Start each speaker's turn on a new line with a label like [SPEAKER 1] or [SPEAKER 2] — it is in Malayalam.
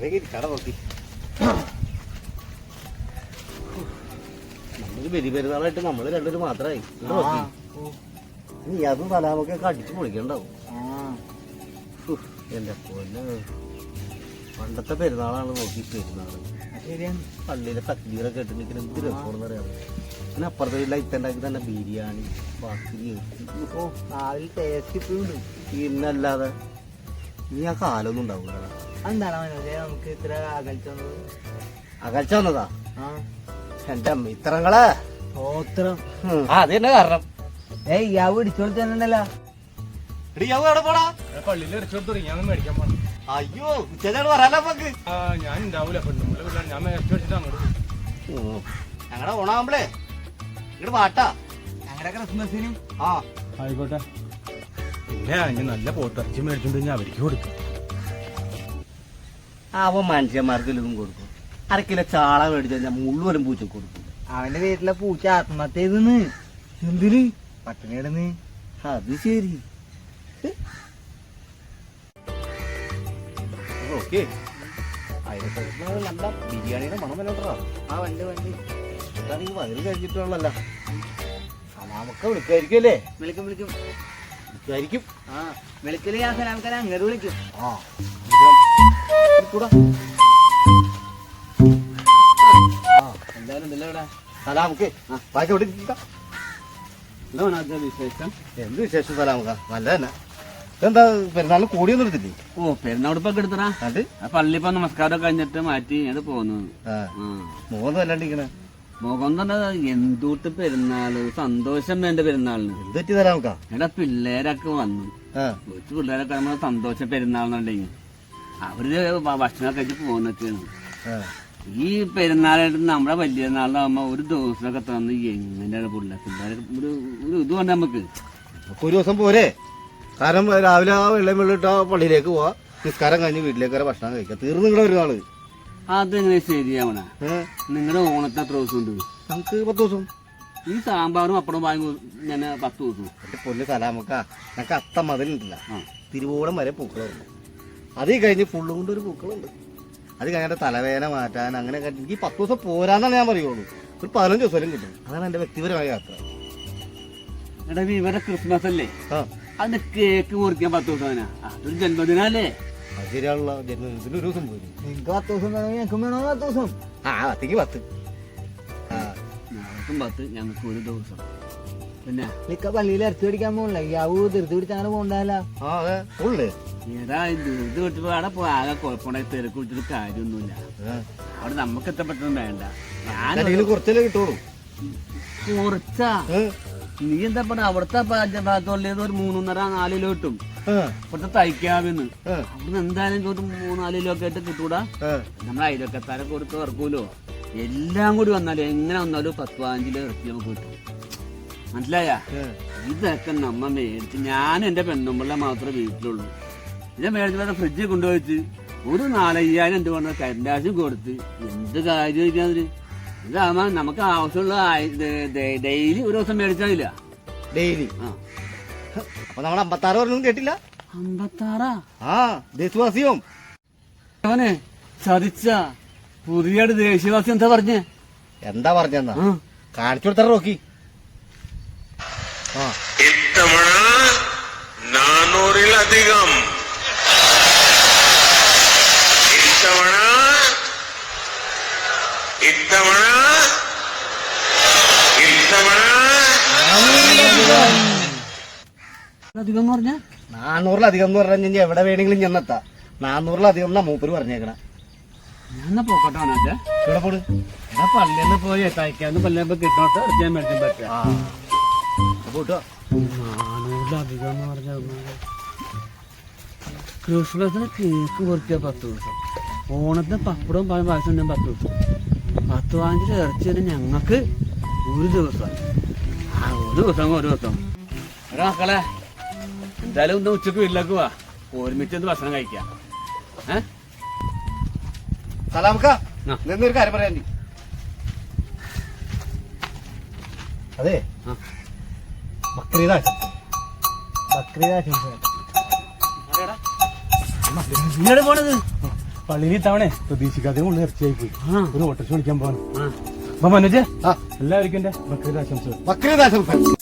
[SPEAKER 1] കട നോക്കി നമ്മള് ബലി പെരുന്നാളായിട്ട് നമ്മള് രണ്ടുപേരും മാത്രമായി. നീ അതും സലാമൊക്കെ അടിച്ചു പൊളിക്കണ്ടാവും. എന്റെ പൊന്നെ, പണ്ടത്തെ പെരുന്നാളാണ് നോക്കി പെരുന്നാള്. പള്ളിയിലെ തക്ബീറൊക്കെ ഇട്ടിട്ട് എന്ത് രസമാണെന്ന് അറിയാം. പിന്നെ അപ്പുറത്തെ ലൈറ്റുണ്ടാക്കി തന്നെ ബിരിയാണി ബാക്കി പിന്നല്ലാതെ ഇനി ആ കാലൊന്നും ഉണ്ടാവില്ല. അകൽച്ച വന്നതാ എന്റെ അമ്മ ഇത്രങ്ങളെ അത് തന്നെ കാരണം.
[SPEAKER 2] യാവ് ഇടിച്ചോളി തന്നെണ്ടല്ലോ.
[SPEAKER 3] പള്ളിയിൽ ഇടിച്ചോടുത്തു ഞാൻ മേടിക്കാൻ പോണം.
[SPEAKER 1] അയ്യോ ഉച്ചയാണ് പറയാലോ നമുക്ക്.
[SPEAKER 3] ഞാൻ ഉണ്ടാവൂല പെണ്ണുമ്പിള്ള ഞാൻ മേടിച്ചു വെച്ചിട്ട് അങ്ങോട്ട്
[SPEAKER 1] ഞങ്ങളുടെ ഓണാകുമ്പളേ ഇങ്ങോട്ട് പാട്ടാ
[SPEAKER 2] ഞങ്ങളുടെ ക്രിസ്മസിന്.
[SPEAKER 1] ആ
[SPEAKER 3] ആയിക്കോട്ടെ. പിന്നെ ഞാൻ നല്ല പോത്തിറച്ചി മേടിച്ചോണ്ട് ഞാൻ അവർക്ക് കൊടുക്കും.
[SPEAKER 1] അവൻ മനുഷ്യന്മാർക്ക് ഇതും കൊടുക്കും. 1/2 കിലോ ചാള മേടിച്ചു കഴിഞ്ഞാൽ മുഴുവനും പൂച്ച കൊടുക്കും.
[SPEAKER 2] അവന്റെ വീട്ടിലെ പൂച്ച ആത്മഹത്യ ചെയ്തെന്ന്.
[SPEAKER 1] എന്തിന്?
[SPEAKER 2] പട്ടിണി കിടന്ന്.
[SPEAKER 1] അത് ശരി. ഓക്കെ നല്ല ബിരിയാണിയുടെ മണം വല്ലോട്ടാ.
[SPEAKER 2] ആ വണ്ടി
[SPEAKER 1] അതാണെങ്കിൽ വയറ് കഴിച്ചിട്ടുള്ളല്ല. സലാമൊക്കെ വിളിക്കായിരിക്കും അല്ലേ?
[SPEAKER 2] വിളിക്കും
[SPEAKER 1] വിളിക്കായിരിക്കും.
[SPEAKER 2] ആ വിളിക്കല് ഞാൻ സലാമക്കാരെ അങ്ങോട്ട് വിളിക്കും.
[SPEAKER 1] ആ കൂടാ
[SPEAKER 2] എന്തായാലും ഉണ്ടല്ലോ ഇവിടെ
[SPEAKER 1] സലാമക്ക് ബാക്കി എവിടെ
[SPEAKER 2] വിശേഷം.
[SPEAKER 1] എന്ത് വിശേഷം സലാമക്ക? നല്ല തന്നെ. എന്താ പെരുന്നാളിന് കൂടിയൊന്നും എടുത്തില്ലേ?
[SPEAKER 2] ഓ പെരുന്നാളിപ്പൊക്കെ എടുത്തടാ.
[SPEAKER 1] അത്
[SPEAKER 2] ആ പള്ളി ഇപ്പൊ നമസ്കാരം കഴിഞ്ഞിട്ട് മാറ്റി അത് പോന്നു.
[SPEAKER 1] മുഖം അല്ലാണ്ടിരിക്കണേ.
[SPEAKER 2] മുഖം തന്നെ എന്തൂട്ട് പെരുന്നാള് സന്തോഷം. എന്റെ പെരുന്നാളിന്
[SPEAKER 1] എന്ത് പറ്റി സലാമക്ക?
[SPEAKER 2] എടാ പിള്ളേരൊക്കെ വന്നു. കൊച്ചു പിള്ളേരൊക്കെ നമ്മള് സന്തോഷം പെരുന്നാളിനുണ്ടെങ്കിൽ അവര് ഭക്ഷണം കഴിച്ച് പോകുന്നൊക്കെയാണ്. ഈ പെരുന്നാളായിട്ട് നമ്മുടെ വലിയ നാളിലാകുമ്പോ ഒരു ദിവസമൊക്കെ തന്ന് എങ്ങനെയാണ് പിള്ളേർ ഒരു ഇത് വേണ്ട നമുക്ക്.
[SPEAKER 1] ഒരു ദിവസം പോരെ. കാരണം രാവിലെ ആ വെള്ളം പള്ളിയിലേക്ക് പോവാ, നിസ്കാരം കഴിഞ്ഞ് വീട്ടിലേക്ക് വരെ ഭക്ഷണം കഴിക്കാം. തീർന്നു നിങ്ങളുടെ ഒരു നാള്.
[SPEAKER 2] അതെങ്ങനെ ശരിയാവണ? നിങ്ങളുടെ ഓണത്തിന് എത്ര ദിവസം ഉണ്ട്?
[SPEAKER 1] നമുക്ക് 10 ദിവസം.
[SPEAKER 2] ഈ സാമ്പാറും അപ്പടം വാങ്ങി ഞാൻ 10 ദിവസം.
[SPEAKER 1] എന്റെ പൊല്ല് സലാമക്ക, ഞങ്ങൾക്ക് അത്ത മതിലുണ്ടല്ല, തിരുവോളം വരെ പൂക്കളുണ്ട്. അത് കഴിഞ്ഞ് ഫുള്ളും കൊണ്ട് ഒരു പൂക്കളുണ്ട്. അത് കഴിഞ്ഞിട്ട് തലവേദന മാറ്റാൻ അങ്ങനെ എനിക്ക് 10 ദിവസം പോരാന്നാണ് ഞാൻ പറയുള്ളൂ. ഒരു 15 ദിവസം കിട്ടും. അതാണ് എന്റെ വ്യക്തിപരമായ യാത്ര.
[SPEAKER 2] എടാ ഇവരെ ക്രിസ്മസ് അല്ലേ, അതിന്റെ കേക്ക് മുറിക്കാൻ 10 ദിവസം തന്നെ. അതൊരു ജന്മദിനല്ലേ?
[SPEAKER 1] അത് ശരിയാണല്ലോ. ജന്മദിനത്തിന് ഒരു ദിവസം പോരും.
[SPEAKER 2] നിങ്ങൾക്ക് 10 ദിവസം ഞങ്ങൾക്ക് വേണോ? 10 ദിവസം.
[SPEAKER 1] 10ക്ക് 10.
[SPEAKER 2] ഞങ്ങൾക്കും 10, ഞങ്ങൾക്ക് ഒരു ദിവസം. പിന്നെ നിക്ക പള്ളിയിൽ ഇറച്ചി പിടിക്കാൻ പോകണില്ല. യാവൂ ധൃതി പിടിച്ച് അങ്ങനെ പോകണ്ടല്ല. ഏതാ ഇത് വിട്ടപ്പോ അവിടെ പോ ആകെ കുഴപ്പമുണ്ടായി തിരക്ക് വിളിച്ചിട്ട് കാര്യമൊന്നുമില്ല. അവിടെ നമുക്ക് എത്തപ്പെട്ടൊന്നും വേണ്ട. ഞാൻ
[SPEAKER 1] കുറച്ചല്ലേ കിട്ടുള്ളൂ.
[SPEAKER 2] കുറച്ചാ നീ എന്താ പറഞ്ഞ അവിടുത്തെ ഭാഗത്തുള്ളത് ഒരു 3.5-4 കിലോ കിട്ടും. ഇവിടുത്തെ തയ്ക്കാവിന്ന് അവിടുന്ന് എന്തായാലും ഒരു 3-4 കിലോ ഒക്കെ ആയിട്ട് കിട്ടൂടാ. നമ്മളെ അയലൊക്കത്താരെ കൊടുത്ത് ഇറക്കൂലോ. എല്ലാം കൂടി വന്നാലും എങ്ങനെ വന്നാലും 10-15 കിലോ ഇറക്കി നമുക്ക് കിട്ടും. മനസ്സിലായ? ഇതൊക്കെ നമ്മ മേടിച്ച് ഞാൻ എന്റെ പെണ്ണുമ്പിള്ള മാത്രമേ വീട്ടിലുള്ളൂ. ഇത് മേടിച്ചിട്ട് ഫ്രിഡ്ജിൽ കൊണ്ടുപോയിട്ട് ഒരു 4,500 എന്ത് പറഞ്ഞ കരണ്ടാശും കൊടുത്ത് എന്ത് കാര്യം ഇരിക്കാതിന്. ഇതാകുമ്പോ നമുക്ക് ആവശ്യമുള്ള ഡെയിലി ഒരു ദിവസം മേടിച്ചാലില്ല.
[SPEAKER 1] ഡെയിലി അപ്പൊ നമ്മൾ 56 പറഞ്ഞൊന്നും കേട്ടില്ല.
[SPEAKER 2] 56?
[SPEAKER 1] ദേശവാസിയും
[SPEAKER 2] അവനെ ചതിച്ച പുതിയ ദേശീയവാസി എന്താ പറഞ്ഞേ?
[SPEAKER 1] എന്താ പറഞ്ഞെന്നാ കാണിച്ചു കൊടുത്താ നോക്കി.
[SPEAKER 4] ഇത്തവണ 400-ലധികം. ഇത്തവണ
[SPEAKER 1] 400-ലധികം എന്ന് പറഞ്ഞ എവിടെ വേണമെങ്കിലും ചെന്നെത്താ. 400-ലധികം എന്നാ മൂപ്പര് പറഞ്ഞേക്കണ.
[SPEAKER 2] ഞാൻ പോക്കട്ടോ
[SPEAKER 1] ഇവിടെ പോണ്.
[SPEAKER 2] എടാ പള്ളിന്ന് പോയി തയ്ക്കാന്ന് പള്ളിയപ്പോ കിട്ടോട്ട് ഇറക്കാൻ മേടിക്കാൻ പറ്റുക. 400-ലധികം എന്ന് പറഞ്ഞ ക്രിസ്മസിന് കേക്ക് പൊറിക്കുക 10 ദിവസം. ഓണത്തിന് പപ്പടവും പായസം 10 ദിവസം. 10-15 ഇറച്ചി തന്നെ ഞങ്ങൾക്ക് ഒരു ദിവസം. ഒരു ദിവസം. എടാ മക്കളെ എന്തായാലും ഒന്ന് ഉച്ചക്ക് വീട്ടിലേക്ക് പോവാ, ഒരുമിച്ച് ഒന്ന് ഭക്ഷണം കഴിക്കാം.
[SPEAKER 1] സലാമക്ക നിന്നൊരു കാര്യം പറയാൻ. അതെ ബക്രീദ്
[SPEAKER 2] പോണത്
[SPEAKER 3] പള്ളിയിൽ ഇത്തവണ പ്രതീക്ഷിക്കാതെ ഉള്ള ഇറച്ചിയായി പോയി.
[SPEAKER 2] ആ.
[SPEAKER 3] ഒരു ഓട്ടർഷ വിളിക്കാൻ പോവാണ്.
[SPEAKER 2] ആ.
[SPEAKER 3] അപ്പൊ മനോജ്
[SPEAKER 1] ആ
[SPEAKER 3] എല്ലാവർക്കും എന്റെ ബക്രീദ് ആശംസകൾ.
[SPEAKER 1] ബക്രീദ് ആശംസകൾ.